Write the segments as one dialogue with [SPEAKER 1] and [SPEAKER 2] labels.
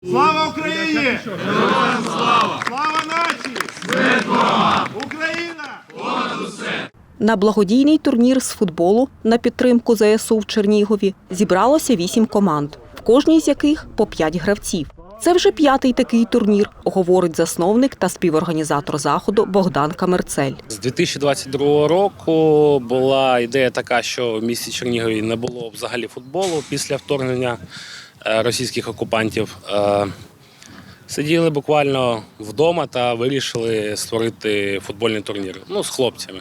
[SPEAKER 1] Слава Україні! Героям слава! Слава нації! Смерть ворогам! Україна! Понад усе!
[SPEAKER 2] На благодійний турнір з футболу на підтримку ЗСУ в Чернігові зібралося 8 команд, в кожній з яких по 5 гравців. Це вже 5-й такий турнір, говорить засновник та співорганізатор заходу Богдан Камерцель.
[SPEAKER 3] З 2022 року була ідея така, що в місті Чернігові не було взагалі футболу після вторгнення російських окупантів. Сиділи буквально вдома та вирішили створити футбольний турнір з хлопцями.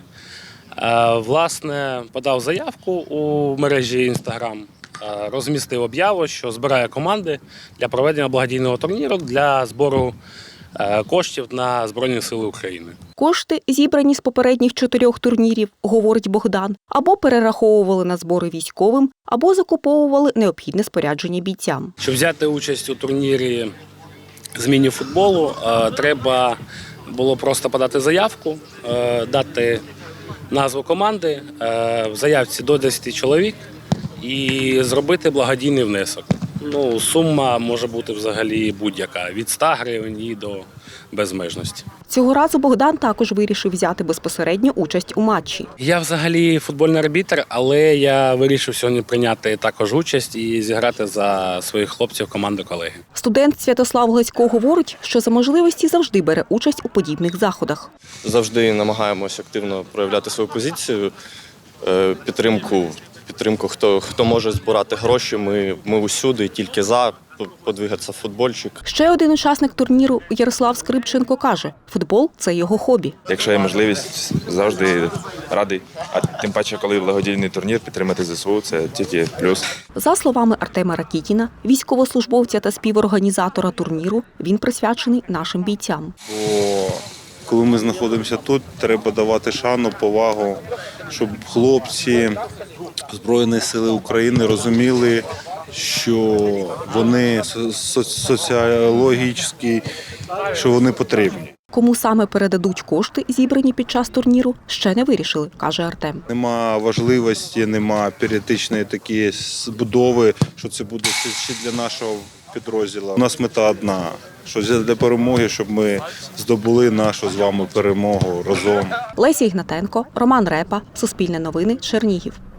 [SPEAKER 3] Власне, подав заявку у мережі Instagram, розмістив об'яву, що збирає команди для проведення благодійного турніру для збору коштів на Збройні Сили України.
[SPEAKER 2] Кошти, зібрані з попередніх 4 турнірів, говорить Богдан, або перераховували на збори військовим, або закуповували необхідне спорядження бійцям.
[SPEAKER 3] Щоб взяти участь у турнірі з міні-футболу, треба було просто подати заявку, дати назву команди, в заявці до 10 чоловік і зробити благодійний внесок. Сума може бути взагалі будь-яка, від 100 гривень і до безмежності.
[SPEAKER 2] Цього разу Богдан також вирішив взяти безпосередню участь у матчі.
[SPEAKER 3] Я взагалі футбольний арбітр, але я вирішив сьогодні прийняти також участь і зіграти за своїх хлопців команди колеги.
[SPEAKER 2] Студент Святослав Гласько говорить, що за можливості завжди бере участь у подібних заходах.
[SPEAKER 4] Завжди намагаємося активно проявляти свою позицію, підтримку, хто може збирати гроші, ми усюди, тільки за, подвигатися в футбольчик.
[SPEAKER 2] Ще один учасник турніру Ярослав Скрипченко каже, футбол – це його хобі.
[SPEAKER 5] Якщо є можливість, завжди радий. А тим паче, коли благодійний турнір, підтримати ЗСУ – це тільки плюс.
[SPEAKER 2] За словами Артема Ракітіна, військовослужбовця та співорганізатора турніру, він присвячений нашим бійцям.
[SPEAKER 6] Коли ми знаходимося тут, треба давати шану, повагу, щоб хлопці Збройних сил України розуміли, що вони соціологічні, що вони потрібні.
[SPEAKER 2] Кому саме передадуть кошти, зібрані під час турніру, ще не вирішили, каже Артем.
[SPEAKER 6] Нема важливості, нема періодичної такої збудови, що це буде ще для нашого підрозділу. У нас мета одна, що для перемоги, щоб ми здобули нашу з вами перемогу разом.
[SPEAKER 2] Леся Ігнатенко, Роман Репа, Суспільне новини, Чернігів.